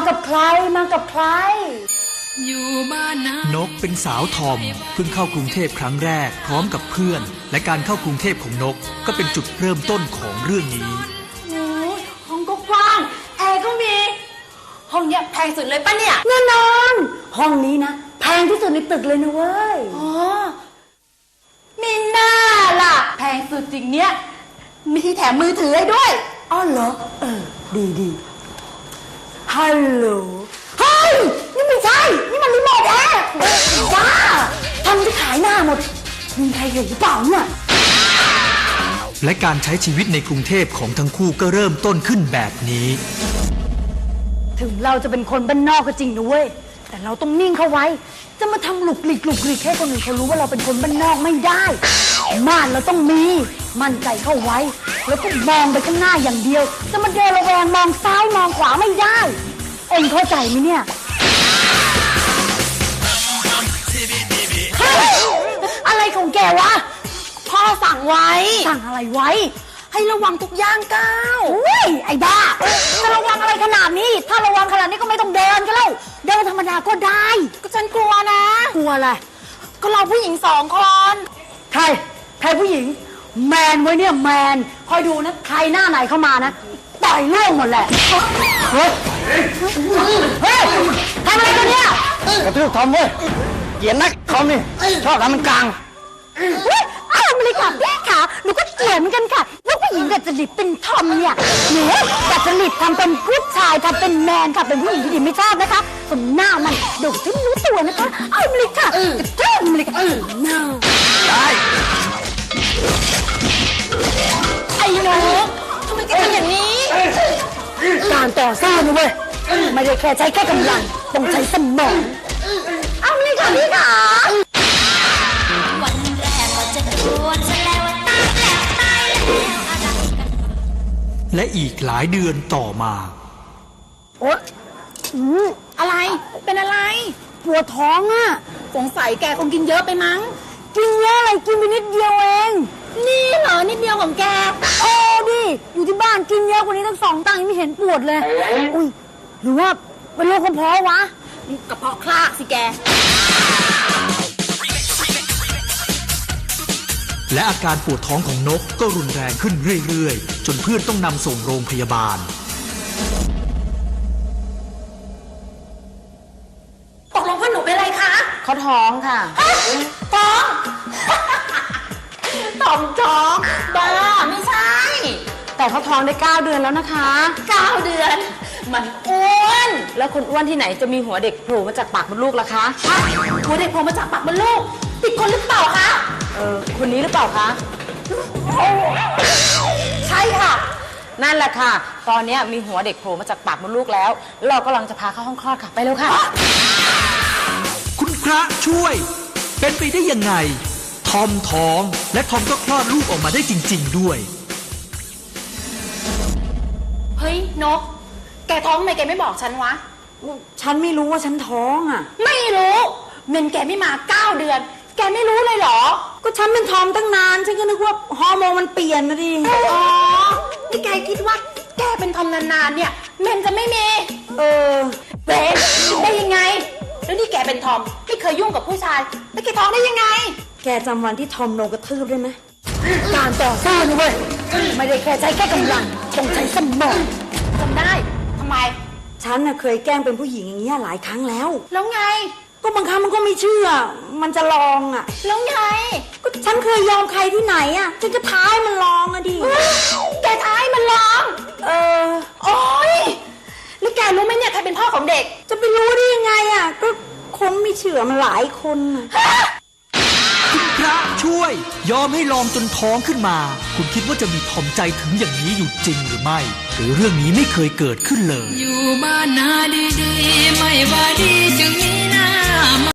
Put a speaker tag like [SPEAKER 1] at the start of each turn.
[SPEAKER 1] กับใครมากับใคร
[SPEAKER 2] อยู่บ้านน
[SPEAKER 3] กเป็นสาวทอมเพิ่งเข้ากรุงเทพครั้งแรกพร้อมกับเพื่อนและการเข้ากรุงเทพของนกก็เป็นจุดเริ่มต้นของเรื่องนี้
[SPEAKER 1] ห้องก็กว้างแอร์ก็มีห้องเนี้ยแพงสุดเลยปะเนี่ยแน่นอนห้องนี้นะแพงที่สุดในตึกเลยนะเว้ยอ๋อมีหน้าล่ะแพงสุดจริงเนี้ยมีที่แถมมือถือให้ด้วยอ๋อเหรอดีฮัลโหลเฮ้ยนี่ไม่ใช่นี่มันรีโมทแอร์จ้าทำจะขายหน้าหมดมีใครเห็นหรือเปล่าเนี่ย
[SPEAKER 3] และการใช้ชีวิตในกรุงเทพของทั้งคู่ก็เริ่มต้นขึ้นแบบนี้
[SPEAKER 1] ถึงเราจะเป็นคนบ้านนอกก็จริงนะเว้ยแต่เราต้องนิ่งเข้าไว้จะมาทำหลุกหลีกให้คนอื่นเขารู้ว่าเราเป็นคนบ้านนอกไม่ได้ม่านเราต้องมีมั่นใจเข้าไว้แล้วก็มองไปข้างหน้าอย่างเดียวจะมาเดินระแวงมองซ้ายมองขวาไม่ได้เอ็งเข้าใจไหมเนี่ยอะไรของแกวะพ่อสั่งไว้สั่งอะไรไว้ให้ระวังทุกย่างก้าวอุ้ยไอ้บ้าจะระวังอะไรขนาดนี้ถ้าระวังขนาดนี้ก็ไม่ต้องเดินกันแล้วเดินธรรมดาก็ได้ก็ฉันกลัวนะกลัวอะไรก็เราผู้หญิง2 คนใครผู้หญิงแมนไว้เนี่ยแมนคอยดูนะใครหน้าไหนเข้ามานะต่อยล่วงหมดแหละเฮ้ยทำอะไรกันเนี่ย
[SPEAKER 4] กระทืบทอมเว้ยเกลียดนักทอมนี่ชอบทำมันกลาง
[SPEAKER 1] อ้าวมาเลยค่ะพี่ค่ะหนูก็เกลียดเหมือนกันค่ะลูกผู้หญิงกับจริตเป็นทอมเนี่ยหนูกับจริตทำเป็นผู้ชายทำเป็นแมนค่ะเป็นผู้หญิงที่ดีไม่ชอบนะคะสมหน้ามันเดี๋ยวฉันรู้ตัวนะคะเอามาเลยค่ะกระทืบมาเลยค่ะน่า
[SPEAKER 4] ได้
[SPEAKER 1] ไอ้หนูทำไมแกทำอย่างนี้การต่อสู้นะเว้ยไม่ได้แค่ใช้แค่กำลังต้องใช้สมองเอามาเลยค่ะพี่ค่ะ
[SPEAKER 2] วันแรกก็จะโดนซะแล้วตายแล้วตายแล้ว
[SPEAKER 3] และอีกหลายเดือนต่อมา
[SPEAKER 1] โอ๊ยอะไรเป็นอะไรปวดท้องอ่ะสงสัยแกคงกินเยอะไปมั้งกินเยอะอะไรกินไปนิดเดียวเองนี่เหรอนิดเดียวของแกโอ้ดิอยู่ที่บ้านกินเยอะกว่านี้ตั้ง2 ตังค์ยังไม่เห็นปวดเลยอุ้ยหรือว่าเป็นโรคกระเพาะวะกระเพาะคลากสิแก
[SPEAKER 3] และอาการปวดท้องของนกก็รุนแรงขึ้นเรื่อยๆจนเพื่อนต้องนำส่งโรงพยาบาล
[SPEAKER 1] ตกลงเพื่อนหนูเป็นอะไรคะ
[SPEAKER 5] เขาท้องค่ะ
[SPEAKER 1] ท้องท้องบ้าไม่ใช่
[SPEAKER 5] แต่เขาท้องได้9 เดือนแล้วนะคะ
[SPEAKER 1] 9 เดือนมันอ้วน
[SPEAKER 5] แล้วคนอ้วนที่ไหนจะมีหัวเด็กโผล่มาจากปากมดลูกล่ะคะ
[SPEAKER 1] หัวเด็กโผล่มาจากปากมดลูกติดคนหรือเปล่าคะ
[SPEAKER 5] คนนี้หรือเปล่าคะ
[SPEAKER 1] ใช่ค่ะ
[SPEAKER 5] นั่นแหละค่ะตอนนี้มีหัวเด็กโผล่มาจากปากมดลูกแล้วเรากำลังจะพาเข้าห้องคลอดค่ะไปเร็วค่ะ
[SPEAKER 3] คุณพระช่วยเป็นไปได้ยังไงทอมท้องและทอมก็คลอดลูกออกมาได้จริงๆด้วย
[SPEAKER 1] เฮ้ยนกแกท้องทำไมแกไม่บอกฉันวะ
[SPEAKER 5] ฉันไม่รู้ว่าฉันท้องอ่ะ
[SPEAKER 1] ไม่รู้เมนแกไม่มา9 เดือนแกไม่รู้เลยเหรอ
[SPEAKER 5] ก็ฉันเป็นทอมตั้งนานฉันก็นึกว่าฮอร์โมนมันเปลี่ยนนะดิ
[SPEAKER 1] อ๋อที่แกคิดว่าแกเป็นทอมนานๆเนี่ยเมนจะไม่มีเป็นได้ยังไงแล้วนี่แกเป็นทอมไม่เคยยุ่งกับผู้ชายแล้วแกท้องได้ยังไง
[SPEAKER 5] แกจำวันที่ทอมโดนกระทืบได้ไหม
[SPEAKER 1] การต่อสู้นะเว้ยไม่ได้แค่ใช้แค่กำลังต้องใช้สมองจำได้ทำไม
[SPEAKER 5] ฉันน่ะเคยแกล้งเป็นผู้หญิงอย่างเงี้ยหลายครั้งแล้ว
[SPEAKER 1] แล้วไง
[SPEAKER 5] ก็บางครั้งมันก็ไม่เชื่อมันจะลองอ่ะ
[SPEAKER 1] แล้วไง
[SPEAKER 5] ก็ฉันเคยยอมใครที่ไหนอ่ะฉันก็ท้ายมันลองอ่ะดิ
[SPEAKER 1] แกท้ายมันลองโอ๊ยแล้วแกรู้ไหมเนี่ยใครเป็นพ่อของเด็ก
[SPEAKER 5] จะไปรู้ได้ยังไงอ่ะก็คนไม่เชื่อมันหลายคน
[SPEAKER 3] คุณพระช่วยยอมให้ลองจนท้องขึ้นมาคุณคิดว่าจะมีทอมใจถึงอย่างนี้อยู่จริงหรือไม่หรือเรื่องนี้ไม่เคยเกิดขึ้นเลย
[SPEAKER 2] อยู่บ้านนาดีๆไม่ว่าดีจึงมีหน้า